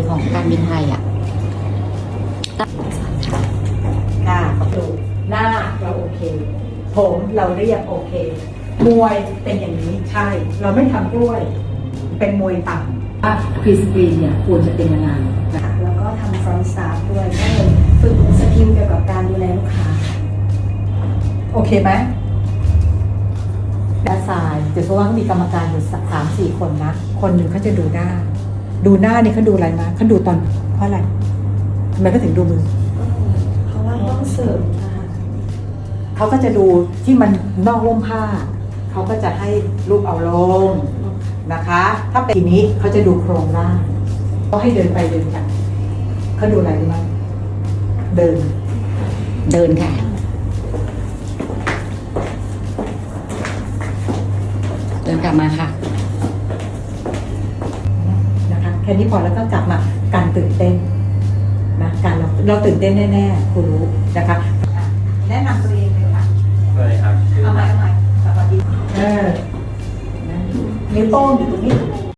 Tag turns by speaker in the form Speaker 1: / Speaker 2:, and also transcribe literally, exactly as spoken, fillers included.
Speaker 1: ของการบินไทยอ่ะ
Speaker 2: ค่ะดูหน้าเราโอเคผมเราเรียบโอเค มวยเป็นอย่างนี้ใช่ เราไม่ทำด้วยเป็นมวยต่ำ
Speaker 3: ว่าพรีสกรีนเนี่ยควรจะเป็นยังไง
Speaker 4: แล้วก็ทำฟรอนต์สตาฟด้วยก็เลยฝึกสกิลเกี่ยวกับการดูแลลูกค้า
Speaker 2: โอเคไหม
Speaker 3: ด้านซ้ายเดี๋ยวเพราะว่าเขามีกรรมการอยู่สามสี่คนนะ
Speaker 2: คนหนึ่งเขาจะดูหน้า ดูหน้านี่เขาดูอะไรมาเขาดูตอนเพราะอะไรทำไมเขาถึงดูมือ
Speaker 4: เพราะว่าต้องเสิร์ฟนะคะ
Speaker 2: เขาก็จะดูที่มันนอกร่มผ้าเขาก็จะให้ลูกเอาลงนะคะ ถ้าเป็นทีนี้เขาจะดูโครงร่างเขาให้เดินไปเดินกันเขาดูอะไรรู้ไหมเดิน
Speaker 1: เดินค่ะเดินกลับมาค่ะ
Speaker 2: นะคะแค่นี้พอแล้วก็กลับมาการตื่นเต้นนะการเราเราตื่นเต้นแน่ๆคุณรู้นะคะอ่ะแนะนำตัวเองเลยค่ะ
Speaker 5: เลยครับ
Speaker 2: เอาใหม่เอาใหม่สวัสดีเออนิ้วโป้งอยู่ตรงนี้